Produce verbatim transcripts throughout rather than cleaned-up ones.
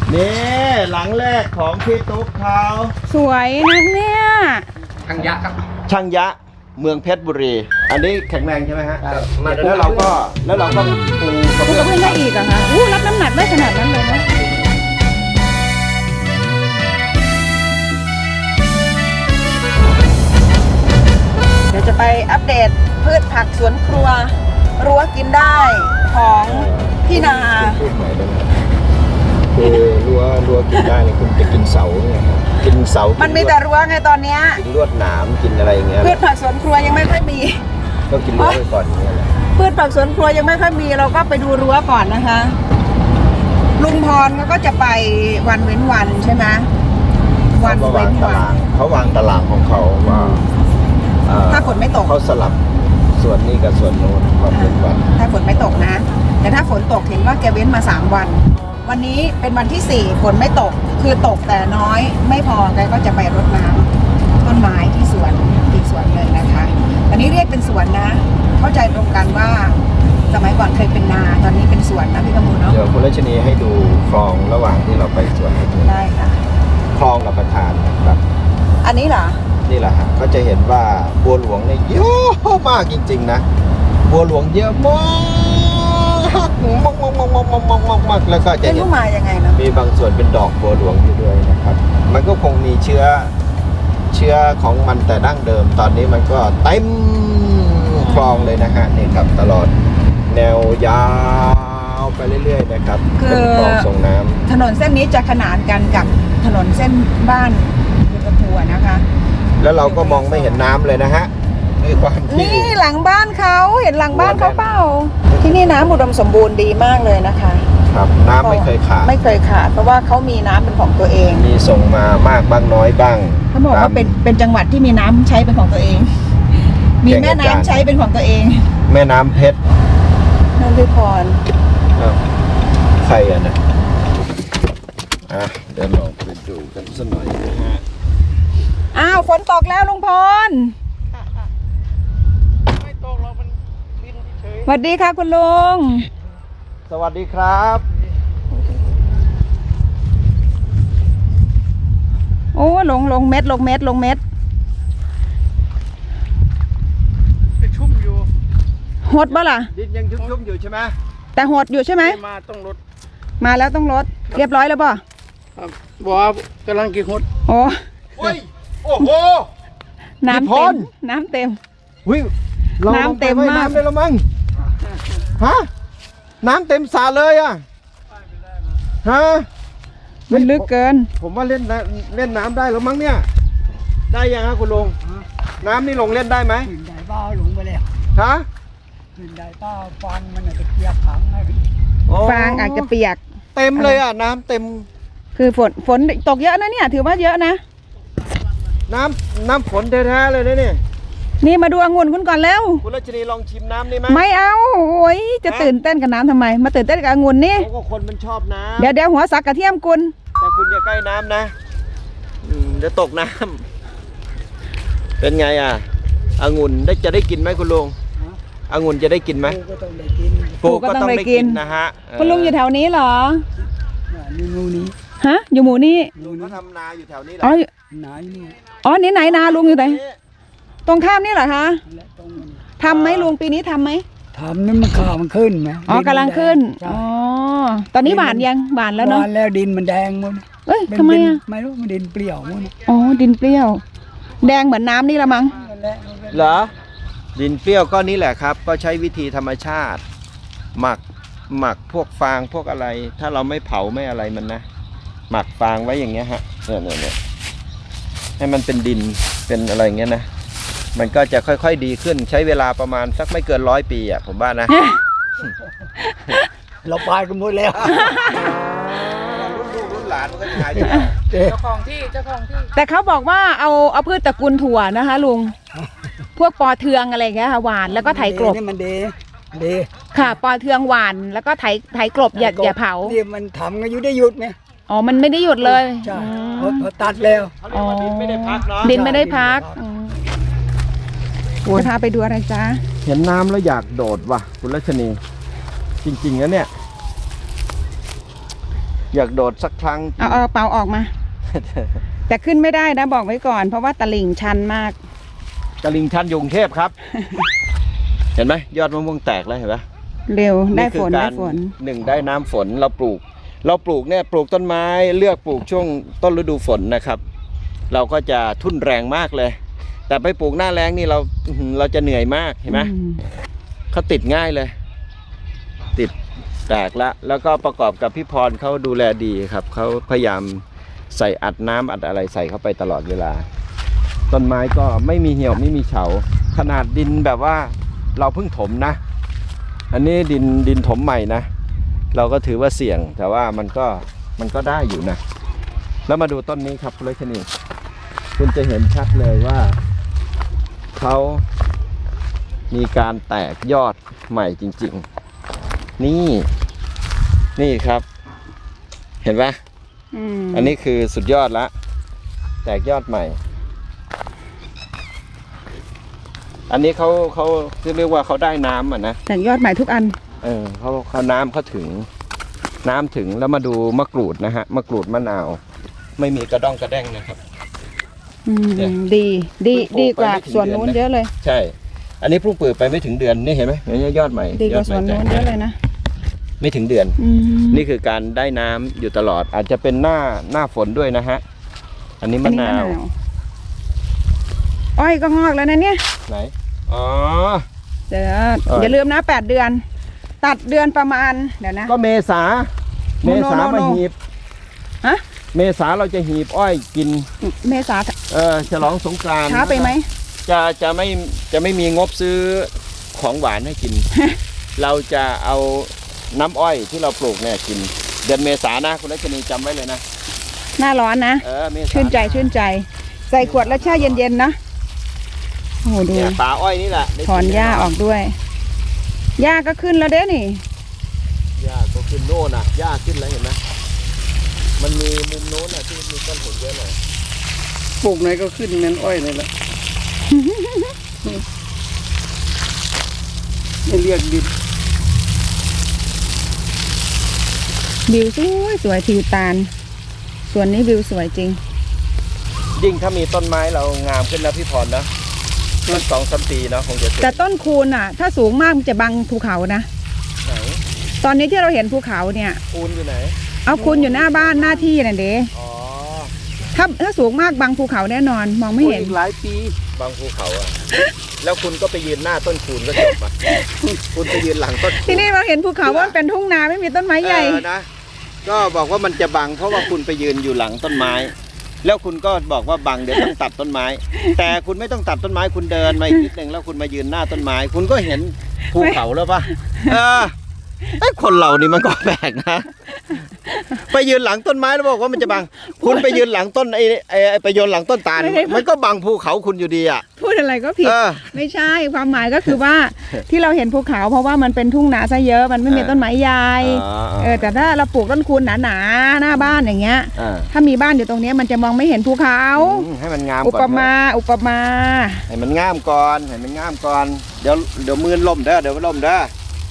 นี่หลังแรกของพี่ตุ๊กเขาสวยนะเนี่ยช่างยะครับช่างยะเมืองเพชรบุรี อันนี้แข็งแรงใช่ไหมฮะแล้วเราก็แล้วเราก็ปูกระพูดเบื้องกับเพื่อนได้อีกเหรอคะอู้รับน้ำหนักได้ขนาดนั้นเลยนะเดี๋ยวจะไปอัปเดตพืชผักสวนครัวรั้วกินได้ของพี่นาพูดใหม่ได้ไหมคือรั้วรั้วกินได้เนี่ยคุณจะกินเสาเนี่ยครับกินเสามันมีแต่รั้วไงตอนเนี้ยกินลวดหนามกินอะไรอย่างเงี้ยพืชผักสวนครัวยังไม่ค่อยมีก็กินรั้วไปก่อนอย่างเงี้ยแหละพืชผักสวนครัวยังไม่ค่อยมีเราก็ไปดูรั้วก่อนนะคะ ลุงพรเขาก็จะไปวันเว้นวันใช่ไหมวันเขาเว้วางนตาวันรางเขาวางตารางของเขาว่าเอ่อถ้าฝนไม่ตกเขาสลับส่วนนี้กับส่วนโน้นวันเป็นวันถ้าฝนไม่ตกนะ แต่ถ้าฝนตกเห็นว่าแกเว้นมาสามวัน วันนี้เป็นวันที่สี่ฝนไม่ตกคือตกแต่น้อยไม่พอแกก็จะไปรดน้ำต้นไม้ที่สวนอีกสวนหนึ่งนะคะอันนี้เรียกเป็นสวนนะ เข้าใจตรงกันว่าสมัยก่อนเคยเป็นนาตอนนี้เป็นสวนนะพี่กำมูลเนาะเดี๋ยวคุณรัชนีให้ดูคลองระหว่างที่เราไปสวนได้ค่ะคลองกับประธานนะครับอันนี้เหรอนี่แหละฮะก็จะเห็นว่าบัวหลวงเนี่ยเยอะมากจริงๆนะบัวหลวงเยอะมากมากมากมากมากมากมากมากมากแล้วก็จะเป็นเห็นผู้มายังไงเนาะมีบางส่วนเป็นดอกบัวหลวงอยู่ด้วยนะครับ มันก็คงมีเชื้อเชื้อของมันแต่ดั้งเดิม ตอนนี้มันก็เต็มคลองเลยนะฮะนี่ครับตลอดแนวยาวไปเรื่อยๆนะครับเป็นคลองส่งน้ำถนนเส้นนี้จะขนานกันกับถนนเส้นบ้านบุญกระพัวนะคะแล้วเราก็มองไม่เห็นน้ำเลยนะฮะด้วยความที่นี่หลังบ้านเขาเห็นหลังบ้านเขาเปล่าที่นี่น้ำอุดมสมบูรณ์ดีมากเลยนะคะครับน้ำไม่เคยขาดไม่เคยขาดเพราะว่าเขามีน้ำเป็นของตัวเองมีส่งมามากบ้างน้อยบ้างเขาบอกว่าเป็นเป็นจังหวัดที่มีน้ำใช้เป็นของตัวเอง มีแม่น้ำใช้เป็นของตัวเองแม่น้ำเพชรนั่นคือพรอ้าวใครอ่ะนะอ่ะเดี๋ยวลองไปดูกันสักหน่อยนะฮะอ้าวฝนตกแล้วลุงพรไม่ตกเรามันบินเฉยสวัสดีค่ะคุณลุงสวัสดีครับโอ้ลงลงเม็ดลงเม็ดลงเม็ดไปชุ่มอยู่หดบ่ล่ะดินยังชุ่มๆอยู่ใช่ไหมแต่หดอยู่ใช่ไหมมาต้องรถมาแล้วต้องลดเรียบร้อยแล้วป่ะครับบอกว่ากำลังกี่หดโอ้โอ้ยโอ้โหน้ำพี่พเต็รมน้ำเต็มวิเราน้ำเต็มลงไปว่ยมากน้ำได้แล้วมั้งฮะน้ำเต็มสระเลยอ่ะฮะมันลึกเกินผมว่าเล่นน้ำเล่นน้ำได้แล้วมั้งเนี่ยได้ยังฮะคุณลุงน้ำนี่ลงเล่นได้ไหมขึ้นได้เปล่าหลงไปแล้วฮะขึ้นได้เปล่าฟังมันอาจจะเกียบขังให้โอ้ฟางอาจจะเปียกเต็มเลยอ่ะน้ำเต็มคือฝนฝนตกเยอะนะเนี่ย ถือว่าเยอะนะน้ำน้ำฝนแท้ๆเลยนะเนี่ยนี่มาดูองุ่นคุณก่อนแล้วคุณรัชนีลองชิมน้ำนี่ไหมไม่เอาโอ้ยจะตื่นเต้นกับน้ำทำไม มาตื่นเต้นกับองุ่นนี่เขาก็คนมันชอบน้ำเดี๋ยวเดี๋ยวหัวสักกระเทียมกุลแต่คุณอย่าใกล้น้ำนะอืมเดี๋ยวตกน้ำเป็นไงอ่ะองุ่นได้จะได้กินไหมคุณลุงองุ่นจะได้กินไหมกูก็ต้องได้กินปลูกก็ต้องได้กินนะฮะคุณลุงอยู่แถวนี้เหรอน่ะนี่งูนี้ฮะ อยู่หมู่นี่ลุงเขาทำนาอยู่แถวนี้แหละอ๋ออยู่หนาอยู่นี่อ๋อนี่ไหนนาลุงอยู่ไหนตรงข้ามนี่เหรอคะและตรงนี้ทำไหมลุงปีนี้ทำไหมทำนี่มันข่าวมันขึ้นไหมอ๋อกำลังขึ้นใช่อ๋อ ตอนนี้หวานยังหวานแล้วเนาะหวานแล้วดินมันแดงหมดเอ้ยเป็นทำไมดินอ่ะไม่รู้มันดินเปรี้ยวหมดอ๋อ ดินเปรี้ยว แดงเหมือนน้ำนี่ละมั้งนั่นแหละมันเป็นเหรอดินเปรี้ยวก็นี่แหละครับ ก็ใช้วิธีธรรมชาติ หมักหมักพวกฟางพวกอะไร ถ้าเราไม่เผาไม่อะไรมันนะ หมักฟางไว้อย่างเงี้ยฮะเนี่ยเนี่ยเนี่ยให้มันเป็นดินเป็นอะไรอย่างเงี้ยนะมันก็จะค่อยๆดีขึ้นใช้เวลาประมาณสักไม่เกินร้อยปีอ่ะผมว่านะเราไปกันหมดแล้วรุ่นลูกรุ่นหลานมันก็จะหายไปเจ๊เจ้าของที่เจ้าของที่แต่เขาบอกว่าเอาเอาพืชตระกูลถั่วนะคะลุง พวกปอเทืองอะไรอย่างเงี้ยค่ะหวานแล้วก็ไถกลบนี่มันดีดีค่ะ ปอเทืองหวานแล้วก็ไถไถกลบอย่าอย่าเผานี่มันทำกันอยู่ได้หยุดไหมอ๋อ มันไม่ได้หยุดเลยใช่อืพอมพอตัดแล้วเขาเรียกว่าดินไม่ได้พักเนาะดินไม่ได้พักอืมจะพาไปดูอะไรจ๊ะเห็นน้ำแล้วอยากโดดว่ะคุณรัชนีจริงๆนะเนี่ยอยากโดดสักครั้งเอาเอากระเป๋าออกมา แต่ขึ้นไม่ได้นะบอกไว้ก่อน เพราะว่าตลิ่งชันมากตลิ่งชันอยกรุงเทพครับ เห็นไหมยอดมะม่วงแตกแล้วเห็นไหมเร็วได้ฝนคือได้การฝนหนึ่งได้น้ำฝนเราปลูก เราปลูกเนี่ยปลูกต้นไม้เลือกปลูกช่วงต้นฤดูฝนนะครับ เราก็จะทุ่นแรงมากเลย แต่ไปปลูกหน้าแล้งนี่เราอื้อหือเราจะเหนื่อยมากเห็นไหมอืมเขาติดง่ายเลย ติดแตกละแล้วก็ประกอบกับพี่พรเขาดูแลดีครับเขาพยายามใส่อัดน้ำอัดอะไรใส่เข้าไปตลอดเวลา ต้นไม้ก็ไม่มีเหี่ยวไม่มีเฉาขนาดดินแบบว่าเราเพิ่งถมนะ อันนี้ดินดินถมใหม่นะ เราก็ถือว่าเสี่ยงแต่ว่ามันก็มันก็ได้อยู่นะ แล้วมาดูต้นนี้ครับคุณเลชนีคุณจะเห็นชัดเลยว่าเขามีการแตกยอดใหม่จริงๆ นี่นี่ครับ เห็นไหมอืมอันนี้คือสุดยอดละแตกยอดใหม่ อันนี้เขาเขาเรียกว่าเขาได้น้ำอ่ะนะแต่ยอดใหม่ทุกอันเออเขาเขาน้ำเขาถึง น้ำถึงแล้วมาดูมะกรูดนะฮะมะกรูดมะนาว ไม่มีกระด้องกระแด้งนะครับอืมเนี่ยดีดีเพิ่งปลูกดีกว่าไปไม่ถึงส่วนนู้นเดือนนะเยอะเลยใช่ อันนี้เพิ่งเปิดไปไม่ถึงเดือนนี่เห็นไหมเห็นไหมยอดใหม่ดีกยอว่าดใหส่ม่วนแตนู้กนเยอะเลยนะไม่ถึงเดือนอืมนี่คือการได้น้ำอยู่ตลอด อาจจะเป็นหน้าหน้าฝนด้วยนะฮะ อันนี้อัมะนนี้นาวอ้อยก็งอกแล้วนะเนี่ยไหนอ๋อเดี๋ยวเออออย่าลืมนะแปดเดือน ตัดเดือนประมาณเดี๋ยวนะก็เมษาโนเมโนษาโนมาโนหีบฮะเมษาเราจะหีบอ้อยกินเมษาเออฉลองสงกรานต์ช้าไปไหมจะจะไม่จะไม่มีงบซื้อของหวานให้กิน เราจะเอาน้ำอ้อยที่เราปลูกเนี่ยกิน เดือนเมษานะคุณรัชนีจำไว้เลยนะหน้าร้อนนะเออเมษาชื่นใจชื่นใจ ใส่ขวดแล้วแช่เย็นๆนะโอ้โหดูเนี่ยป่าอ้อยนี่แหละได้ถอนหญ้าออกด้วยหญ้าก็ขึ้นแล้วเด้นี่หญ้าก็ขึ้นโน่นน่ะหญ้าขึ้นแล้วเห็นไหมมันมีมุมโน้นน่ะที่มีต้นผลเยอะหน่อยปลูกไหนก็ขึ้นเน้นอ้อยนี่แหละ ไม่เรียกดินวิวสวยสวยทิวตาลส่วนนี้วิวสวยจริงยิ่งถ้ามีต้นไม้เรางามขึ้นนะพี่พรนะต้นสองสามปีเนาะคงจะสวยแต่ต้นคูนอ่ะ ถ้าสูงมากมันจะบังภูเขานะไหนตอนนี้ที่เราเห็นภูเขาเนี่ยปูนอยู่ไหนเอาคูนอยู่หน้าบ้านหน้าที่น่ะเด้อ๋อถ้าถ้าสูงมากบังภูเขาแน่นอนมองไม่เห็นอีกหลายปีบางภูเขาอะ แล้วคุณก็ไปยืนหน้าต้นคูนก็จบอะ คุณไปยืนหลังต้นคูนที่นี่เราเห็นภูเขาว่ามันเป็นทุ่งนาไม่มีต้นไม้ใหญ่เออนะ ก็บอกว่ามันจะบังเพราะว่าคุณไปยืนอยู่หลังต้นไม้ แล้วคุณก็บอกว่าบังเดี๋ยวต้องตัดต้นไม้ แต่คุณไม่ต้องตัดต้นไม้คุณเดินมาอีกนิดนึงแล้วคุณมายืนหน้าต้นไม้ คุณก็เห็นภูเขาแล้วปะเออไอ้คนเรานี่มันก็แปลกนะ ไปยืนหลังต้นไม้แล้วบอกว่ามันจะบัง คุณไปยืนหลังต้นไอ้ไอ้ไอ้ไปยืนหลังต้นตาลไม่ได้มันก็บังภูเขาคุณอยู่ดีอ่ะพูดอะไรก็ผิดเออไม่ใช่ความหมายก็คือว่า ที่เราเห็นภูเขาเพราะว่ามันเป็นทุ่งนาซะเยอะมันไม่มีเออต้นไม้ใหญ่อ๋อเออแต่ถ้าเราปลูกต้นคูนหนาๆหน้าบ้านอย่างเงี้ยอ่าถ้ามีบ้านอยู่ตรงเนี้ยมันจะมองไม่เห็นภูเขาอืมให้มันงามอุก่อนปเถอะมาอุปมาให้มันงามก่อนให้มันงามก่อน เดี๋ยวเดี๋ยวมือล่มเด้อเดี๋ยวมันล่มเด้อ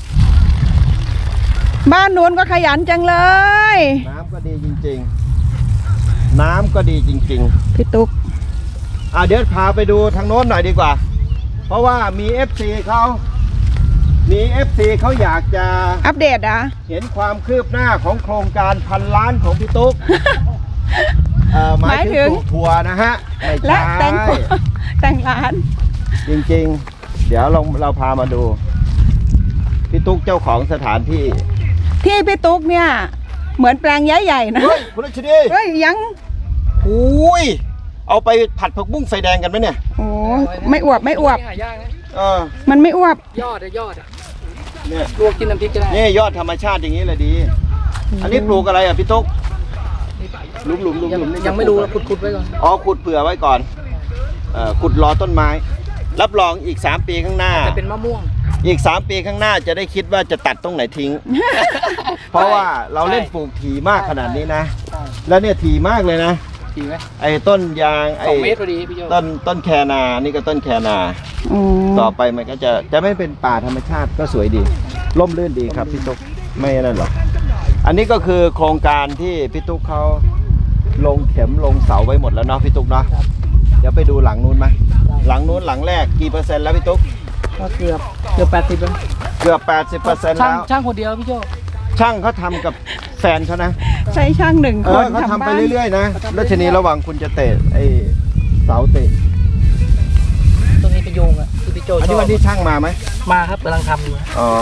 บ้านนู้นก็ขยันจังเลยน้ำก็ดีจริงๆ น้ำก็ดีจริงพี่ตุ๊กๆ อ่ะเดี๋ยวพาไปดูทางโน้นหน่อยดีกว่า เพราะว่ามี เอฟ ซี เขามี เอฟ ซี เขาอยากจะอัปเดตอ่ะเห็นความคืบหน้าของโครงการพันล้านของพี่ตุ๊ก เอ่อหมายถึงปลูกถั่วนะฮะไม่และใช่แต่งแต่งร้านจริงๆ เดี๋ยวเราเราพามาดู พี่ตุ๊กเจ้าของสถานที่ที่พี่ตุ๊กเนี่ย เหมือนแปลงใหญ่ๆนะเฮ้ยคุณรัชนีเฮ้ยยังอุ้ยเอาไปผัดผักบุ้งไฟแดงกันไหมเนี่ยโอ้ไม่อวบไม่อวบหายากนะเออมันไม่อวบยอดอะยอดอะเนี่ยลวกกินน้ำพริกก็ได้นี่ยอดธรรมชาติอย่างนี้เลยดี อันนี้ปลูกอะไรอ่ะพี่ตุ๊กหลุมหลุมหลุมยังหลุมนี่ยังไม่รู้นะขุดๆไว้ก่อนอ๋อขุดเผื่อไว้ก่อนเอ่อขุดรอต้นไม้ รับรองอีกสามปีข้างหน้าจะเป็นมะม่วงอีกสามปีข้างหน้าจะได้คิดว่าจะตัดตรงไหนทิ้ง เพราะว่าเราเล่นปลูกถี่มากขนาดนี้นะใช่แล้วเนี่ยถี่มากเลยนะดีไหมไอ้ต้นยางไอ้สองเมตรพอดีพี่โจต้นต้นแคนานี่ก็ต้นแคนาโอ้ต่อไปมันก็จะจะไม่เป็นป่าธรรมชาติก็สวยดีร่มรื่นดีครับพี่ตุ๊กไม่นั่นหรอกอันนี้ก็คือโครงการที่พี่ตุ๊กเขาลงเข็มลงเสาไว้หมดแล้วเนาะพี่ตุ๊กเนาะเดี๋ยวไปดูหลังนู้นไหมหลังนู้นหลังแรกกี่เปอร์เซ็นต์แล้วพี่ตุ๊กก็เกือบเกือบแปดสิบแล้วเกือบแปดสิบเปอร์เซ็นต์ช่างแล้วช่างคนเดียวพี่โจช่างเขาทำกับแฟนเขานะใช้ช่างหนึ่งเอคอน เขาทำไปบ้านเรื่อยๆนะแล้วทีนี้ระหว่างคุณจะเตะไอ้เสาเตะตรงนี้ไปโยงอ่ะที่พี่โจอันชนี้อบวันนี้ช่างมาไหมมาครับกำลังทำอยู่อ๋อ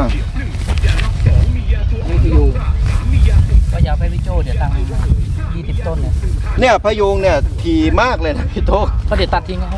นี่คืออยู่ก็อยากให้พี่โจเดี๋ยวตังค์ยี่สิบต้นเนี่ยเนี่ยพะยุงเนี่ยถี่มากเลยนะพี่ตุ๊กก็เดี๋ยวตัดทิ้งนะครับ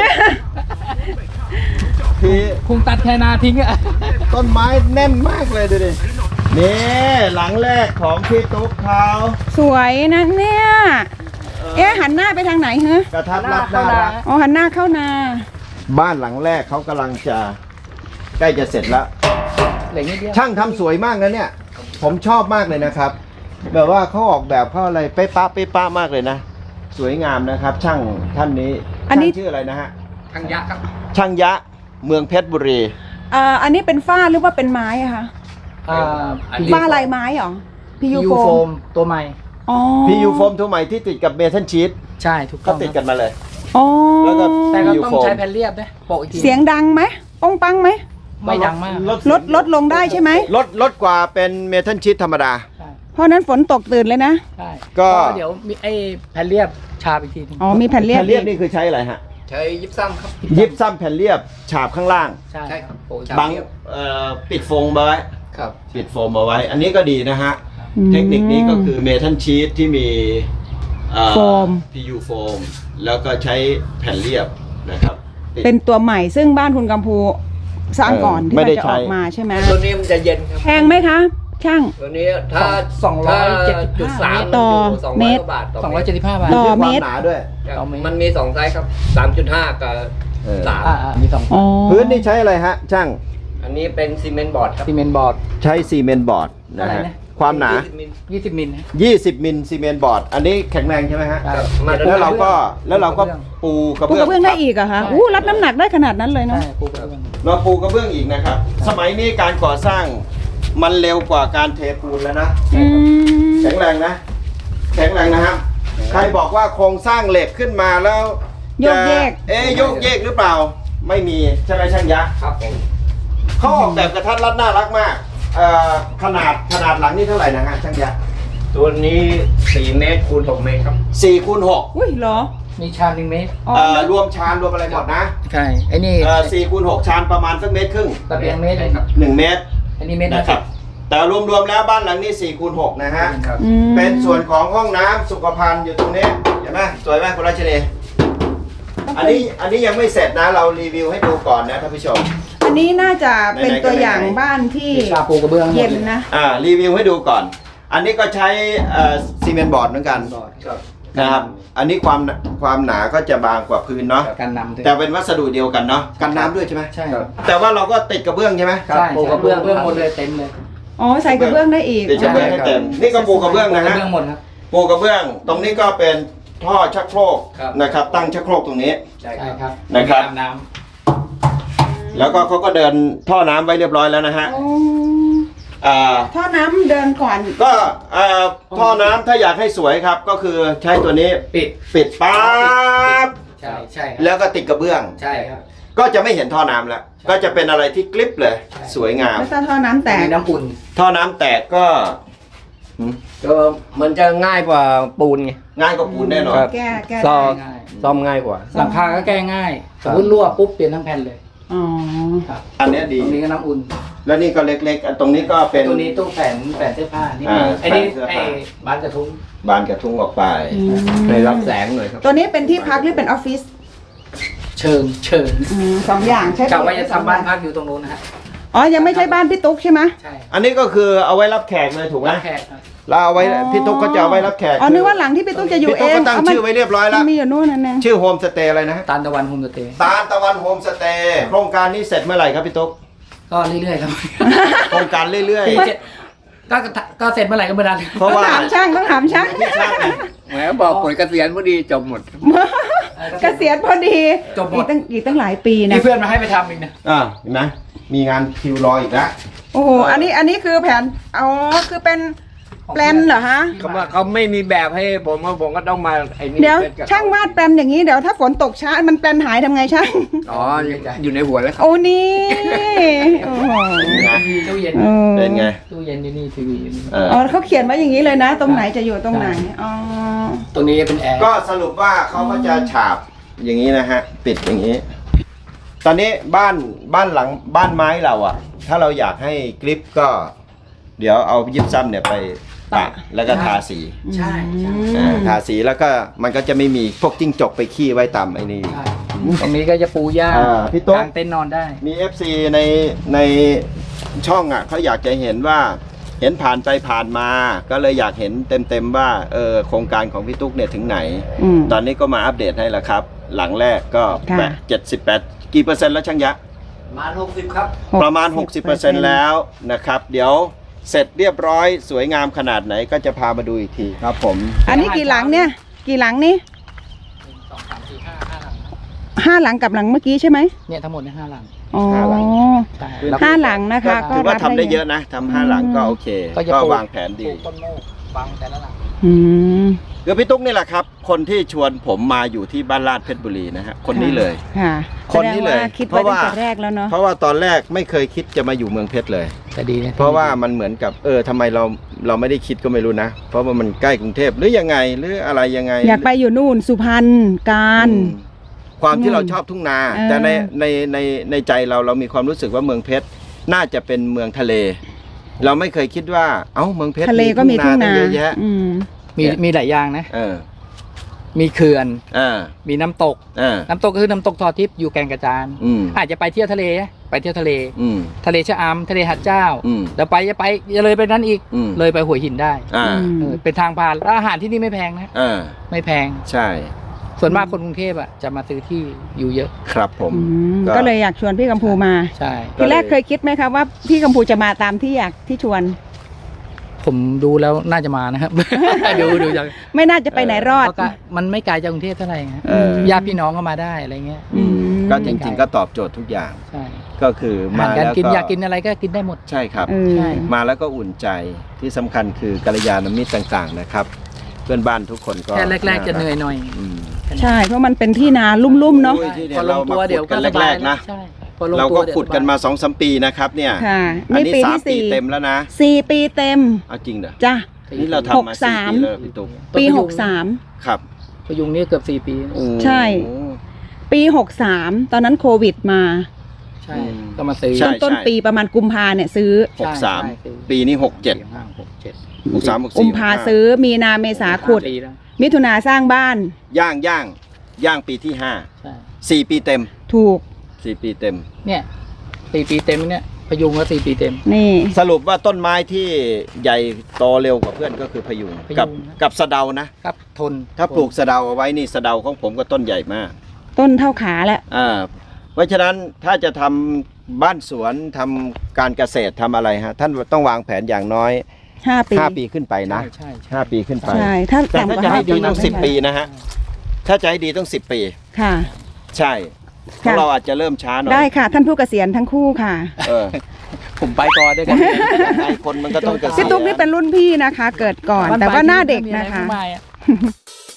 ทีคงตัดแค่นาทิ้งอ่ะต้นไม้แน่นมากเลยดูดินี่หลังแรกของพี่ตุ๊กเขาสวยนะเนี่ย เอ๊ะหันหน้าไปทางไหนฮะกระทัดรัดน่ารักอ๋อหันหน้าเข้านาบ้านหลังแรกเขากำลังจะใกล้จะเสร็จแล้วเหลือนิดเดียวช่างทำสวยมากนะเนี่ย ผมชอบมากเลยนะครับ แบบว่าเขาออกแบบเขาอะไรเป๊ะป๊ะเป๊ะป๊ะมากเลยนะ สวยงามนะครับ ช่างท่านนี้อันนี้ช่างชื่ออะไรนะฮะทางยักษ์ครับช่างยะเมืองเพชรบุรีอ่าอันนี้เป็นฝ้าหรือว่าเป็นไม้อะคะอ่าฝ้าลายไม้เหรอพียูยูโฟโฟมมตัวใหม่อ๋อพียูโฟมตัวใหม่ที่ติดกับเมทัลชีตใช่ถูกต้ก็องติดคกัรับนมาเลยอ๋อแล้วก็แต่ก็พียูต้องโฟมใช้แผ่นเรียบนะโปะอีกทีเสียงดังไหมป้องปังไหมไม่ดังมากลดลดลงได้ใช่ไหมลดลดกว่าเป็นเมทัลชีตธรรมดาใช่เพราะนั้นฝนตกตื่นเลยนะใช่ก็เดี๋ยวมีไอ้แผ่นเรียบชาบอีกทีหนึงอ๋อมีแผ่นเรียบแผ่นเรียบอีกนี่คือใช้อะไรฮะใช้ยิบซ้ำครับยิบซ้ำแผ่นเรียบฉาบข้างล่างใช่ใช่ครับโอ้ยบังเอ่อปิดโฟมเอาไว้ครับปิดโฟมเอาไว้ อันนี้ก็ดีนะฮะอืมเทคนิคนี้ก็คือเมทัลชีตที่มีเอ่อโฟมพี ยู โฟม แล้วก็ใช้แผ่นเรียบนะครับติดเป็นตัวใหม่ซึ่งบ้านคุณกัมพูสร้างก่อนเออที่ไม่มันได้จะใช้ออกมาใช่ไหมตัวนี้มันจะเย็นครับแพงไหมคะ ช่างตัวนี้ถ้าสองร้อยเจ็ดสิบจุดห้าสามต่อสองเมร้อยตรกว่าบาทต่อสองเมร้อยตรเจ็ดสิบห้าบาทต่อความเมตรหนาด้วยครับต่อเมตรมันมีสองไซส์ครับสามจุดห้ากับเออสามอ่าอ่ามีสองอ๋อพื้นนี่ใช้อะไรฮะ ช่างอันนี้เป็นซีเมนต์บอร์ดครับซีเมนต์บอร์ดใช้ซีเมนต์บอร์ดนะอะไรฮะนะความหนายี่สิบมิลยี่สิบมิลนะยี่สิบมิลซีเมนต์บอร์ด อันนี้แข็งแรงใช่ไหมฮะใช่ครับมาตรแล้วเราก็กระเบื้องแล้วเราก็ปูกระปูเบื้อกระเบื้องได้อีกเหรอะคะใช่อู้รับน้ำหนักได้ขนาดนั้นเลยเนาะใช่ปูกระเบื้องเราปูกระเบื้องอีกนะครับ สมัยนี้การก่อสร้างมันเร็วกว่าการเทปูนแล้วนะอืมแข็งแรงนะ แข็งแรงนะครับ ใครบอกว่าโครงสร้างเหล็กขึ้นมาแล้วโยกเยกจะเอ๊ะโยกเยกหรือเปล่า ไม่มีใช่ไหมช่างยะครับผมเขาออกแบบกระทัดรัดน่ารักมากเอ่อขนาดขนาดหลังนี่เท่าไหร่นะฮะช่างยะตัวนี้สี่เมตรคูณหกเมตรครับสี่คูณหกอุ้ยเหรอมีชาหนึ่งเมตรอ๋อเอ่อรวมชานรวมอะไรหมดนะใช่ไอ้นี่เอ่อสี่คูณหกชานประมาณสักเมตรครึ่งตะเบียงเมตรใช่ครับหนึ่งเมตรอันนี้เมตรนะนะคครัรับบ แต่รวมๆแล้วบ้านหลังนี้สี่คูณหกนะฮะครับอืมเป็นส่วนของห้องน้ำสุขภัณฑ์อยู่ตรงนี้เห็นไหมสวยไหมคุณรัชนีอันนี้อันนี้ยังไม่เสร็จนะเรารีวิวให้ดูก่อนนะท่านผู้ชมอันนี้น่าจะเป็นไหนๆก็ตัวอย่างไหนๆบ้านที่มีชาปูกระเบื้องหมดเย็นเลยนะอ่ารีวิวให้ดูก่อน อันนี้ก็ใช้เอ่อซีเมนต์บอร์ดเหมือนกันครับนะครับอันนี้ความความหนาก็จะบางกว่าพื้นเนาะการนำด้วยแต่เป็นวัสดุเดียวกันเนาะกันน้ำด้วยใช่ไหมใช่แต่ว่าเราก็ติดกระเบื้องใช่ไหมใช่ปูกระเบื้องเบื้องหมดเลยเต็มเลยอ๋อใส่กระเบื้องได้อีกติดกระเบื้องให้เต็มนี่ก็ปูกระเบื้องปูกนะระฮะเบื้องหมดครับปูกระเบื้อง ตรงนี้ก็เป็นท่อชักโครกครับนะครับ ตั้งชักโครกตรงนี้ใช่ใช่คครับ รับนะครับตามน้แล้วก็เขาก็เดินท่อน้ำไว้เรียบร้อยแล้วนะฮะอ๋ออ่าท่อน้ำเดินก่อนก็เอ่อท่อน้ำถ้าอยากให้สวยครับก็คือใช้ตัวนี้ำปิดปิดปั๊บใช่ใช่ครับแล้วก็ติดกระเบื้องใช่ครับก็จะไม่เห็นท่อน้ำแล้ว ก็จะเป็นอะไรที่กริบเลยใช่สวยงามแล้วถ้าท่อน้ำแตแต่กมีน้ำอุ่นท่อน้ำแตกก็หืมก็มันจะง่ายกว่าปูนไงง่ายกว่าปูนแน่นอนครับแก้แก้ซ่อได้ง่ายซ่อมง่ายกว่าหลังคาก็แก้ง่ายสมมติรั่วปุ๊บเปลี่ยนทั้งแผ่นเลยอ๋อครับอันเนี้ยตดีรงนี้ก็น้ำอุ่นแล้วนี่ก็เล็กๆอันตรงนี้ก็เป็นตัวนี้ตู้แผ่นแผ่นเสื้อผ้านี่อ่าไอ้นี่แผ่นเสื้อไอ้ผ้าบ้านกระทุ้งบานกระทุ้งออกไปอืมให้รับแสงหน่อยครับตัวนี้เป็นที่พักหรือเป็นออฟฟิศเชิงเชิงอืมสองอย่างใช่กะว่าจะทำบ้านพักอยู่ตรงนู้นนะฮะอ๋อ ยังไม่ใช่บ้านพี่ตุ๊กใช่ไหมใช่อันนี้ก็คือเอาไว้รับแขกเลยถูกไหมรับแขกครับเราเอาไว้พี่ตุ๊กก็จะเอาไว้รับแขกอ๋อนึกว่าหลังที่พี่ตุ๊กจะอยู่พี่เอตุ๊กงก็ตั้งชื่อไว้เรียบร้อยแล้วมันมีอยู่นู่นนั่นเองชื่อโฮมสเตย์อะไรนะฮะตาลตะวันโฮมสเตย์ตาลตะวันโฮมสเตย์โครงการนี้เสร็จเมื่อไหร่ครับพี่ตุ๊กก็เรื่อยๆครับโครงการเรื่อยปีเจ็ดก็ก็เสร็จเมื่อไหร่ก็เมื่อนั้นๆ เพราะต้องว่าถามช่างต้องถามช่างที่ช่างเนี่ยแหมบอกผลเกษียณพอดีจบหมดเกษียณพอดีจบหมอีดกตั้งอีกตั้งหลายปีนะมีเพื่อนมาให้ไปทำอีกนะอ่าเห็นไหมมีงานคิวรออีกแล้วโอ้โห อันนี้อันนี้คือแผน อ๋อ คือเป็นแปลนเหรอฮะเขาว่าเขาไม่มีแบบให้ผมว่าผมก็ต้องมาไอ้นี่เดี๋ยวซ็ตกับเขช่างวาดแปลนอย่างนี้เดี๋ยวถ้าฝนตกช้ามันแปลนหายทำไงช่างอ๋ออยู่ในหัวแล้วครับโอ้นี่โอ้โหมีตู้เย็นเออเป็นไงตู้เย็นที่นี่ทีวีอยู่นี่เอออ๋อเขาเขียนไว้อย่างนี้เลยนะ ตรงไหนจะอยู่ตรงไหนอ๋อตรงนี้เป็นแอร์ก็สรุปว่าเขาก็จะฉาบอย่างนี้นะฮะ ปิดอย่างนี้ ตอนนี้บ้านบ้านหลังบ้านไม้เราอะถ้าเราอยากให้กริปก็ เดี๋ยวเอายิบซ้ำเนี่ยไปปะแล้วก็ทาสีใช่ใช่อ่าทาสีแล้วก็มันก็จะไม่มีพวกจิ้งจกไปขี้ไว้ตามไอ้นี่ใช่ตรงนี้ก็จะปูหญ้าอ่าพี่ตุ๊กกางเต็นท์นอนได้มี เอฟ ซี ในในช่องอ่ะเขาอยากจะเห็นว่าเห็นผ่านไปผ่านมา ก็เลยอยากเห็นเต็มๆว่าเออโครงการของพี่ตุ๊กเนี่ยถึงไหนอืมตอนนี้ก็มาอัปเดตให้แล้วครับ หลังแรกก็ค่ะแปดเจ็ดสิบแปดกี่เปอร์เซ็นต์แล้วช่างยะมาหกสิบครับประมาณ หกสิบเปอร์เซ็นต์ แล้วนะครับ เดี๋ยวเสร็จเรียบร้อยสวยงามขนาดไหนก็จะพามาดูอีกทีครับผมอันนี้กี่หลังเนี่ย กี่หลังนี่สองสามสี่ห้าห้าหลังห้าหลังกับหลังเมื่อกี้ใช่ไหมเนี่ยทั้งหมดเนี่ยห้าหลังอ๋อห้าหลังใช่ห้าหลังนะคะถือว่าทำได้เยอะนะทำห้าหลังก็โอเคก็จะก็ปลูกวางแผนดีปลูกต้นโมกบังแต่ละหลังอืมคือพี่ตุ๊กนี่แหละครับ คนที่ชวนผมมาอยู่ที่บ้านลาดเพชรบุรีนะฮะคนนี้เลยค่ะคนนี้เลยแสดงว่าคิดไว้ตั้งแต่แรกแล้วเนาะเพราะว่าตอนแรกไม่เคยคิดจะมาอยู่เมืองเพชรเลยแต่ดีนะเพราะว่ามันเหมือนกับเออทำไมเราเราไม่ได้คิดก็ไม่รู้นะ เพราะว่ามันใกล้กรุงเทพหรือยังไงหรืออะไรยังไงอยากไปอยู่นู่นสุพรรณการอืมความที่เราชอบทุ่งนาเออแต่ในในในในใจเราเรามีความรู้สึกว่าเมืองเพชรน่าจะเป็นเมืองทะเล เราไม่เคยคิดว่าเอ้าเมืองเพชรทะเลก็มีทุ่งนาตั้เยอะแยะอืมมีมีหลายอย่างนะเออมีเขื่อนเออมีน้ำตกเออน้ำตกก็คือน้ำตกทอทิพย์อยู่แก่งกระจานอืมอาจจะไปเที่ยวทะเลนะไปเที่ยวทะเลอืมทะเลชะอำทะเลหัดเจ้าอืมแล้วไปจะไปจะเลยไปนั้นอีกอืมเลยไปหัวหินได้อ่าเออเป็นทางผ่านแล้วอาหารที่นี่ไม่แพงนะเออไม่แพงใช่ส่วนมากคนกรุงเทพอ่ะจะมาซื้อที่อยู่เยอะครับผมอืมก็ก็เลยอยากชวนพี่กัมพูมาใช่ก็ทีเลยแรกเคยคิดไหมครับว่าพี่กัมพูจะมาตามที่อยากที่ชวนผมดูแล้วน่าจะมานะครับ ดูดูจากไม่น่าจะไปไหนรอดเพราะก็มันไม่ไกลจากกรุงเทพเท่าไหร่ฮะเออญาติพี่น้องก็มาได้อะไรเงี้ยอืมก็จริงๆก็ตอบโจทย์ทุกอย่างใช่ก็คืออามาหารการแล้วกินก็อยากกินอะไรก็กินได้หมดใช่ครับเออใช่มาแล้วก็อุ่นใจที่สำคัญคือกัลยาณมิตรต่างๆนะครับ เพื่อนบ้านทุกคนก็แค่แรก ๆ จะเหนื่อยหน่อยอืมใช่ เพราะมันเป็นที่นาลุ่มๆเนาะโอ้ยที่พอลงตัวเดี๋ยวก็เรามาขุดกันสบายแรกๆนะใช่พอลงเราตัวก็ดี๋ยวขุดกันสบยมาสองสามปีนะครับเนี่ยค่ะอันนี่นี้ปีสามที่ปีสี่เต็มแล้วนะสี่ปีเต็มเอาจริงเหรอจ้ะนี่เราทำมาหกสี่สามปีแล้วพี่ตุ๊กปีต้นพยุงหกสามครับพยุงนี่เกือบสี่ปีโอ้ใช่ ปีหกสามตอนนั้นโควิดมาใช่ก็มาซื้อใช่ต้นปีประมาณกุมภาเนี่ยซื้อหกสามใช่ใช่ปีนี้หกเจ็ดสี่ห้าหกเจ็ดหกสามหกกุสี่มภาซื้อมีนาเมษาขุดห้ปีแล้วมิถุนาสร้างบ้านย่างย่างย่างปีที่ห้าใช่สี่ปีเต็มถูกสี่ปีเต็มเนี่ยสี่ปีเต็มเนี่ยพยุงก็สี่ปีเต็มนี่สรุปว่าต้นไม้ที่ใหญ่โตเร็วกว่าเพื่อนก็คือพยุงพยุงกับนะกับสะเดานะครับทนถ้าปลูกสะเดาเอาไว้นี่สะเดาของผมก็ต้นใหญ่มากต้นเท่าขาแล้วอ่าเพราะฉะนั้นถ้าจะทำบ้านสวนทำการเกษตรทำอะไรฮะ ท่านต้องวางแผนอย่างน้อยห้าปีห้าปีขึ้นไปนะใช่ใช่ห้าปีขึ้นไปใช่ถ้าแต่ต่ำกถ้าว่าจะห้าให้ปีดีต้องสิบปีนะฮะถ้าจะให้ดีต้องสิบปีค่ะใช่เพราะเราอาจจะเริ่มช้าหน่อยได้ค่ะ ท่านผู้เกษียณทั้งคู่ค่ะเออผมไปก่อนด้วยกันไอ้คนมันก็ต้องเกษียณพี่ตุ๊กนี่เป็นรุ่นพี่นะคะ เกิดก่อน แต่ว่าหน้าเด็กนะคะไม่มีอไรมากมายอะ